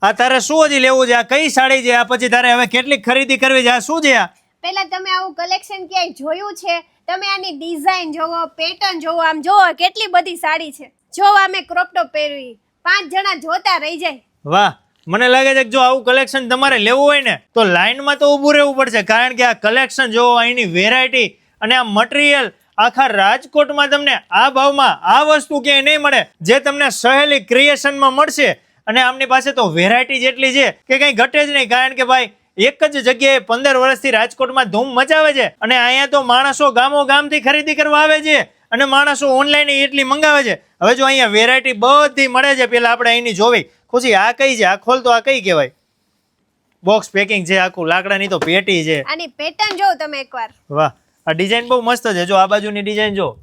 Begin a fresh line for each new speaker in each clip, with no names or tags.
આ તારે શું હજી લેવું છે? આ કઈ સાડી છે? આ પછી તારે હવે કેટલી ખરીદી કરવી છે? આ શું છે? આ
પહેલા તમે આવું કલેક્શન ક્યાંય જોયું છે? તમે આની ડિઝાઇન જોવો, પેટર્ન જોવો, આમ જોવો કેટલી બધી સાડી છે. જો અમે ક્રોપ ટોપ પહેરવી, 5 જણા જોતા રહી જાય.
વાહ, મને લાગે છે કે જો આવું કલેક્શન તમારે લેવું હોય ને તો લાઈનમાં તો ઊભું રહેવું પડશે, કારણ કે આ કલેક્શન જોવો, અહીંની વેરાયટી અને આ મટીરિયલ આખા રાજકોટમાં તમને આ ભાવમાં આ વસ્તુ ક્યાંય નહીં મળે જે તમને સહેલી ક્રિએશનમાં મળશે. અને આમની પાસે તો વેરાયટી જેટલી છે કે કંઈ ઘટે જ નહીં, કારણ કે ભાઈ એક જ જગ્યાએ 15 વર્ષથી રાજકોટમાં ધૂમ મચાવે છે. અને અહીંયા તો માણસો ગામો ગામથી ખરીદી કરવા આવે છે અને માણસો ઓનલાઈન એટલી મંગાવે છે. હવે જો અહીંયા વેરાયટી બધી મળે છે, પેલા આપણે અહીંની જોવી. ખુશી, આ કઈ છે? આ ખોલ તો. આ કઈ કહેવાય? બોક્સ પેકિંગ છે આખું, લાકડાની તો પેટી છે.
આની પેટર્ન જોવો તમે એકવાર.
વાહ, આ ડિઝાઇન બહુ મસ્ત છે. જો આ બાજુની ડિઝાઇન જો,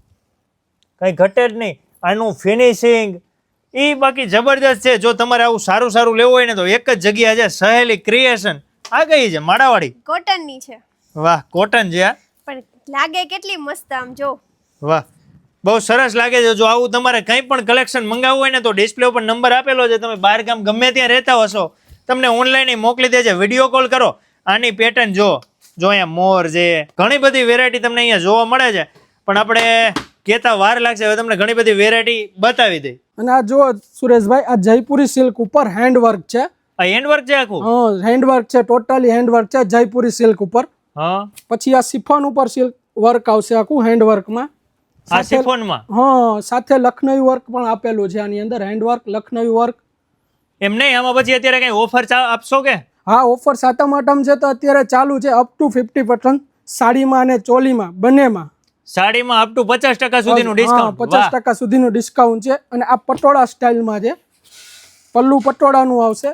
કઈ ઘટે જ નહીં. આનું ફિનિશિંગ એ બાકી જબરદસ્ત છે. જો તમારે આવું સારું સારું લેવું હોય ને તો એક જ જગ્યા છે, સહેલી ક્રિએશન. આ કઈ છે? માળાવાળી
કોટન ની છે.
વાહ, કોટન છે.
પણ લાગે કેટલી મસ્ત આમ જો.
વાહ, બહુ સરસ લાગે છે. જો આવું તમારે કંઈ પણ કલેક્શન મંગાવવું હોય ને તો ડિસ્પ્લે ઉપર નંબર આપેલો છે. તમે બહાર ગામ ગમે ત્યાં રહેતા હશો, તમને ઓનલાઈન મોકલી દે છે. વિડીયો કોલ કરો. આની પેટર્ન જો અહીંયા મોર છે, ઘણી બધી વેરાયટી તમને અહીંયા જોવા મળે છે. પણ આપણે કહેતા વાર લાગશે, હવે તમને ઘણી બધી વેરાયટી બતાવી દઈ.
અને આ જો સુરેશભાઈ, આ જયપુરી સિલ્ક ઉપર હેન્ડવર્ક છે.
આ હેન્ડવર્ક છે આખું?
હા, હેન્ડવર્ક છે, ટોટલી હેન્ડવર્ક છે જયપુરી સિલ્ક ઉપર.
હા,
પછી આ સિફોન ઉપર સિલ્ક વર્ક આવશે આખું હેન્ડવર્કમાં.
આ સિફોનમાં?
હા, સાથે લખનવી વર્ક પણ આપેલું છે આની અંદર. Handwork, Lucknowi work.
એમ નહીં, આમાં પછી અત્યારે કઈ ઓફર આપશો કે?
હા, ઓફર સાતમ આઠમ છે તો અત્યારે ચાલુ છે, અપ ટુ 50% સાડીમાં અને ચોલીમાં બંનેમાં.
સાડીમાં અપ ટુ 50% સુધીનું ડિસ્કાઉન્ટ.
50% સુધીનું ડિસ્કાઉન્ટ છે. અને આ પટોળા સ્ટાઇલમાં છે. પલ્લુ પટોળાનું આવશે.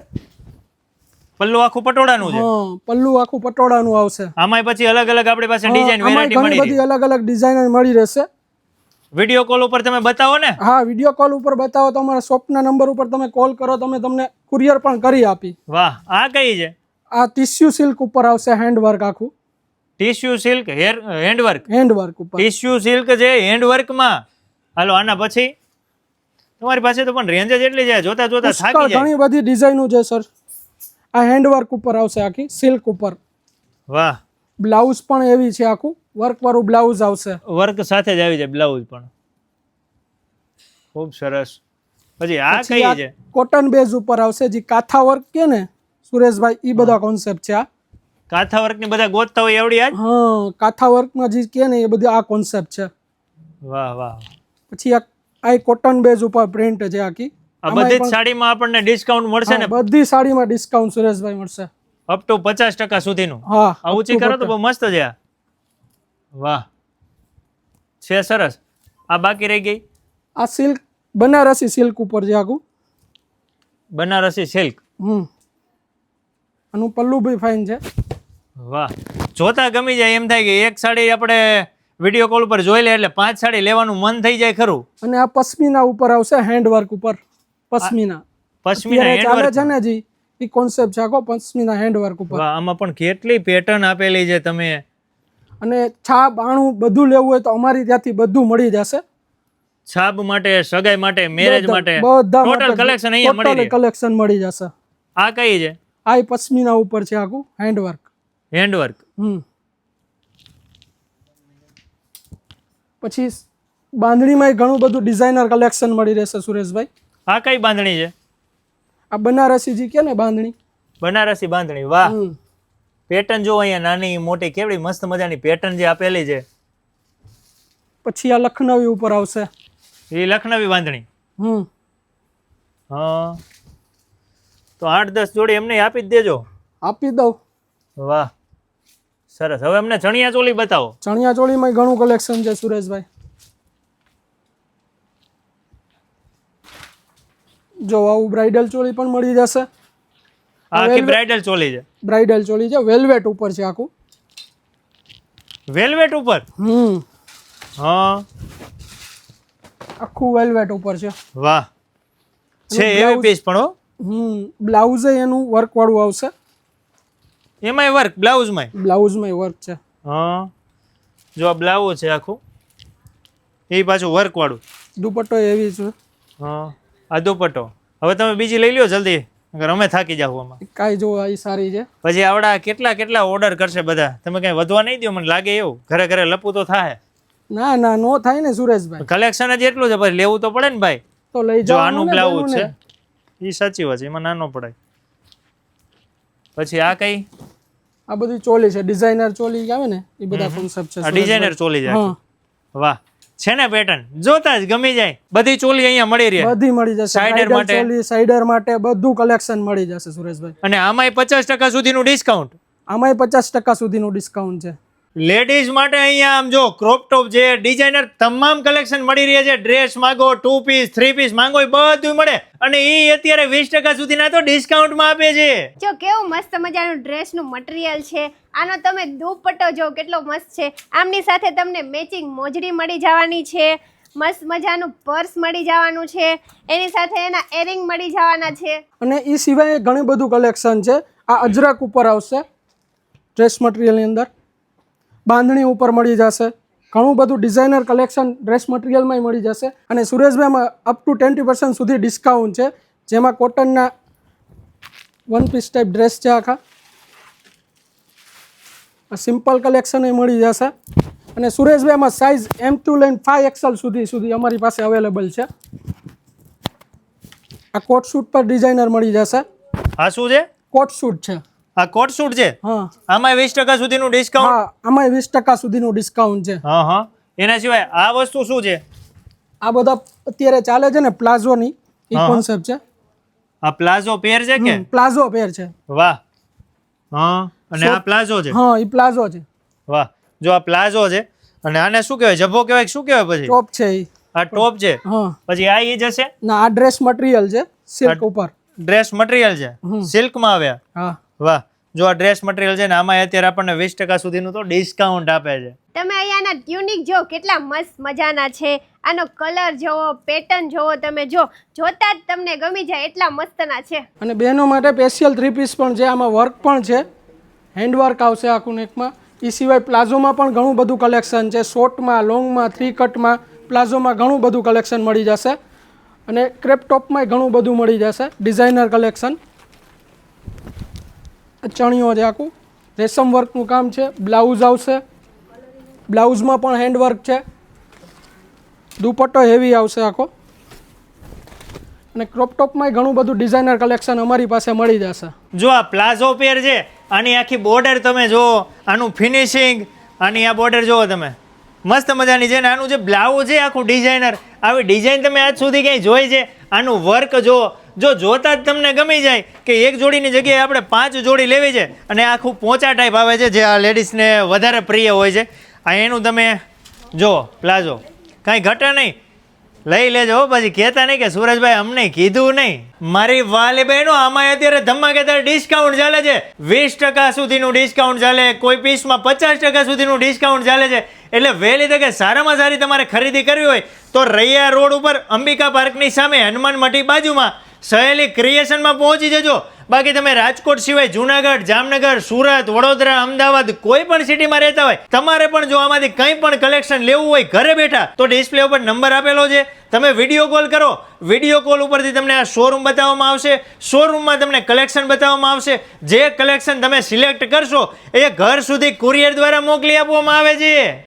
પલ્લુ આખું પટોળાનું છે?
હા, પલ્લુ આખું પટોળાનું આવશે.
આમાંય પછી અલગ અલગ આપણી પાસે ડિઝાઇન વેરાયટી મળી
બધી અલગ અલગ ડિઝાઇન મળી રહેશે.
વિડીયો કોલ ઉપર તમે બતાવો ને?
હા, વિડીયો કોલ ઉપર બતાવો તો અમારા શોપના નંબર ઉપર તમે કોલ કરો, તમને કુરિયર પણ કરી આપી.
વાહ, આ કઈ છે?
આ ટિશ્યુ સિલ્ક ઉપર આવશે હેન્ડવર્ક આખું.
ટિશ્યુ સિલ્ક હેન્ડવર્ક
ઉપર
ટિશ્યુ સિલ્ક છે હેન્ડવર્કમાં. હાલો, આના પછી તમારી પાસે તો પણ રેન્જ જ એટલી છે, જોતા જોતા થાકી જાય.
ઘણી બધી ડિઝાઇનો છે સર. આ હેન્ડવર્ક ઉપર આવશે આખી સિલ્ક ઉપર.
વાહ,
બ્લાઉઝ પણ એવી છે, આખું વર્ક વાળું બ્લાઉઝ આવશે.
વર્ક સાથે જ આવી જાય બ્લાઉઝ પણ. ખૂબ સરસ. પછી આ કઈ છે?
કોટન બેઝ ઉપર આવશે, જે કાથા વર્ક કે ને સુરેશભાઈ, એ બધા કોન્સેપ્ટ છે. આ
કાથા વર્ક ની બધા ગોતતા હોય એવડી આજ?
હા, કાથા વર્કમાં જે કે ને એ બધી આ કોન્સેપ્ટ છે.
વાહ વાહ.
પછી આ કોટન બેઝ ઉપર પ્રિન્ટ છે આખી.
આ બધી જ સાડીમાં આપણને ડિસ્કાઉન્ટ મળશે ને?
બધી સાડીમાં ડિસ્કાઉન્ટ સુરેશભાઈ મળશે,
અપ ટુ 50% સુધીનું.
હા,
આ ઊંચી કરો તો બહુ મસ્ત છે આ. વાહ, છે સરસ. આ બાકી રહી ગઈ
આ સિલ્ક, બનારસી સિલ્ક ઉપર છે આખું.
બનારસી સિલ્ક.
આનું પલ્લુ બી ફાઇન છે.
વાહ, જોતા ગમી જાય એમ થાય કે એક સાડી આપણે વિડીયો કોલ ઉપર જોઈ લે એટલે 5 સાડી લેવાનું મન થઈ જાય ખરું.
અને આ પશ્મિના ઉપર આવશે હેન્ડવર્ક ઉપર. પશ્મિના ચાલે છે ને જી, એ કોન્સેપ્ટ છે આખો પશ્મિના હેન્ડવર્ક ઉપર.
વાહ, આમાં પણ કેટલી પેટર્ન આપેલી છે તમે.
અને છાપ આણું બધું લેવું હોય તો અમારી ત્યાંથી બધું મળી જશે.
છાપ માટે, સગાઈ માટે, મેરેજ માટે
બધા
ટોટલ કલેક્શન અહીંયા મળી રહે.
કલેક્શન મળી જશે.
આ કઈ છે?
આ પશ્મિના ઉપર છે આખું હેન્ડવર્ક.
હેન્ડવર્ક.
પછી બાંધણીમાં ઘણું બધું ડિઝાઇનર કલેક્શન મળી રહેશે સુરેશભાઈ.
આ કઈ બાંધણી છે?
આ બનારસી જી કે ને બાંધણી.
બનારસી બાંધણી. વાહ, પેટર્ન જો અહીંયા નાની મોટી કેવડી મસ્ત મજાની પેટર્ન જે આપેલી છે.
પછી આ લખનવી ઉપર આવશે.
એ લખનવી બાંધણી. હા, તો 8-10 જોડી એમને આપી જ દેજો.
આપી દઉં.
વાહ, સરસ. હવે અમને ચણિયા ચોલી બતાવો.
ચણિયા ચોલીમાં ઘણું કલેક્શન છે સુરેશભાઈ. જો આવું બ્રાઇડલ ચોલી પણ મળી જશે.
આખી બ્રાઇડલ ચોલી છે?
બ્રાઇડલ ચોલી છે, વેલ્વેટ ઉપર છે આખું.
વેલ્વેટ ઉપર? હા,
આખું વેલ્વેટ ઉપર છે.
વાહ, છે એવી પીસ પણ હો.
બ્લાઉઝ એનું વર્ક વાળું આવશે.
એમાંય વર્ક?
બ્લાઉઝમાં વર્ક છે.
હા, જો આ બ્લાઉઝ છે આખું, એ પાછું વર્ક વાળું.
દુપટ્ટો એવી છે.
હા, આ દુપટ્ટો. હવે તમે બીજી લઈ લ્યો જલ્દી, અગર અમે થાકી જાવ આમાં.
કાંઈ જો આ સારી છે.
પછી આવડા કેટલા ઓર્ડર કરશે બધા, તમે કઈ વધવા નહીં દો, મને લાગે એવું. ઘરે ઘરે લપુ તો થાય.
ના ના નો થાય ને સુરેશભાઈ,
કલેક્શન જ એટલું છે, પછી લેવું તો પડે ને ભાઈ.
તો લઈ
જો
જાઓ
આનું બ્લાઉઝ છે, એ સાચી વાત છે, એમાં નાનો પડાય. પછી આ કઈ,
આ બધી ચોલી છે, ડિઝાઇનર ચોલી આવે ને એ બધા કોન્સેપ્ટ છે.
આ ડિઝાઇનર ચોલી છે.
હા
વાહ, છે ને પેટર્ન જોતા જ ગમી જાય. બધી ચોલી અહીંયા મળી રહે,
બધી મળી જશે.
સાઇડર માટે,
ચોલી સાઇડર માટે બધું કલેક્શન મળી જશે સુરેશભાઈ.
અને આમાંય 50% સુધીનું ડિસ્કાઉન્ટ.
આમાંય 50% સુધીનું ડિસ્કાઉન્ટ છે.
લેડીઝ માટે અહીંયા આમ જો ક્રોપ ટોપ જે ડિઝાઇનર તમામ કલેક્શન મળી રહ્યા છે. ડ્રેસ માંગો, 2 પીસ 3 પીસ માંગો, એ બધું મળે. અને એ અત્યારે 20% સુધીના તો ડિસ્કાઉન્ટમાં આપે છે.
જો કેવું મસ્ત મજાનું ડ્રેસનું મટીરિયલ છે. આનો તમે દુપટ્ટો જો કેટલો મસ્ત છે. આમની સાથે તમને મેચિંગ મોજડી મળી જવાની છે. મસ્ત મજાનું પર્સ મળી જવાનું છે. એની સાથે એના એરિંગ મળી જવાના છે.
અને એ સિવાય ઘણું બધું કલેક્શન છે. આ અજરક ઉપર આવશે ડ્રેસ મટીરિયલની અંદર, બાંધણી ઉપર મળી જશે. ઘણું બધું ડિઝાઇનર કલેક્શન ડ્રેસ મટીરિયલમાં મળી જશે. અને સુરેશભાઈમાં અપ ટુ 20% સુધી ડિસ્કાઉન્ટ છે, જેમાં કોટનના 1 પીસ ટાઈપ ડ્રેસ છે આખા. સિમ્પલ કલેક્શન એ મળી જશે. અને સુરેશભાઈમાં સાઇઝ M2 લઈને 5XL સુધી અમારી પાસે અવેલેબલ છે. આ કોટ સૂટ પર ડિઝાઇનર મળી જશે.
આ શું છે?
કોટ સૂટ છે.
આ કોટ સૂટ છે.
હા,
આમાં 20% સુધીનું ડિસ્કાઉન્ટ.
હા, આમાં 20% સુધીનું ડિસ્કાઉન્ટ છે.
હા હા. એના સિવાય આ વસ્તુ શું છે?
આ બધા અત્યારે ચાલે છે ને પ્લાઝોની એ કોન્સેપ્ટ છે.
આ પ્લાઝો પેર છે કે?
પ્લાઝો પેર છે.
વાહ. હા, અને આ પ્લાઝો છે.
હા, એ પ્લાઝો છે.
વાહ, જો આ પ્લાઝો છે. અને આને શું કહેવાય? જબ્બો કહેવાય કે શું કહેવાય? પછી
ટોપ છે એ.
આ ટોપ છે.
હા,
પછી આ ઈ જશે
ના, આ ડ્રેસ મટીરિયલ છે, સિલ્ક ઉપર
ડ્રેસ મટીરિયલ છે, સિલ્કમાં આવ્યા.
હા,
વાહ, જો આ ડ્રેસ મટીરિયલ છે ને આમાં અત્યારે આપણને 20% સુધીનું તો ડિસ્કાઉન્ટ આપે છે.
તમે અહીંયાના ટ્યુનિક જો કેટલા મસ્ત મજાના છે. આનો કલર જોવો, પેટર્ન જોવો, તમે જોતા જ તમને ગમી જાય એટલા મસ્તના છે.
અને બહેનો માટે સ્પેશિયલ 3 પીસ પણ છે. આમાં વર્ક પણ છે, હેન્ડવર્ક આવશે આખું નેકમાં. એ સિવાય પ્લાઝોમાં પણ ઘણું બધું કલેક્શન છે. શોર્ટમાં, લોંગમાં, 3 કટમાં, પ્લાઝોમાં ઘણું બધું કલેક્શન મળી જશે. અને ક્રેપ ટોપમાંય ઘણું બધું મળી જશે, ડિઝાઇનર કલેક્શન. ચણિયો છે આખું, રેશમ વર્કનું કામ છે. બ્લાઉઝ આવશે, બ્લાઉઝમાં પણ હેન્ડવર્ક છે. દુપટ્ટો હેવી આવશે આખો. અને ક્રોપ ટોપમાંય ઘણું બધું ડિઝાઇનર કલેક્શન અમારી પાસે મળી જશે.
જો આ પ્લાઝો પેર છે, આની આખી બોર્ડર તમે જુઓ, આનું ફિનિશિંગ, આની આ બોર્ડર જુઓ તમે, મસ્ત મજાની છે. ને આનું જે બ્લાઉઝ છે આખું ડિઝાઇનર, આવી ડિઝાઇન તમે આજ સુધી ક્યાંય જોઈ છે? આનું વર્ક જો જોતા જ તમને ગમી જાય કે એક જોડીની જગ્યાએ આપણે 5 જોડી લેવી છે. અને આખું પોચા ટાઈપ આવે છે, જે આ લેડીઝને વધારે પ્રિય હોય છે. આ એનું તમે જો પ્લાઝો, કાંઈ ઘટે નહીં, લઈ લેજો. પછી કહેતા નહીં કે સુરજભાઈ અમને કીધું નહીં. મારી વાલી બહેનો, આમાં અત્યારે ધમાકેદાર ડિસ્કાઉન્ટ ચાલે છે. 20% સુધીનું ડિસ્કાઉન્ટ ચાલે, કોઈ પીસમાં 50% સુધીનું ડિસ્કાઉન્ટ ચાલે છે. એટલે વહેલી તકે સારામાં સારી તમારે ખરીદી કરવી હોય તો રૈયા રોડ ઉપર અંબિકા પાર્કની સામે હનુમાન મઠી બાજુમાં સહેલી ક્રિએશનમાં પહોંચી જજો. બાકી તમે રાજકોટ સિવાય જુનાગઢ, જામનગર, સુરત, વડોદરા, અમદાવાદ કોઈ પણ સિટીમાં રહેતા હોય, તમારે પણ જો આમાંથી કંઈ પણ કલેક્શન લેવું હોય ઘરે બેઠા, તો ડિસ્પ્લે ઉપર નંબર આપેલો છે, તમે વિડીયો કોલ કરો. વિડીયો કોલ ઉપરથી તમને આ શોરૂમ બતાવવામાં આવશે. શોરૂમમાં તમને કલેક્શન બતાવવામાં આવશે. જે કલેક્શન તમે સિલેક્ટ કરશો એ ઘર સુધી કુરિયર દ્વારા મોકલી આપવામાં આવે છે.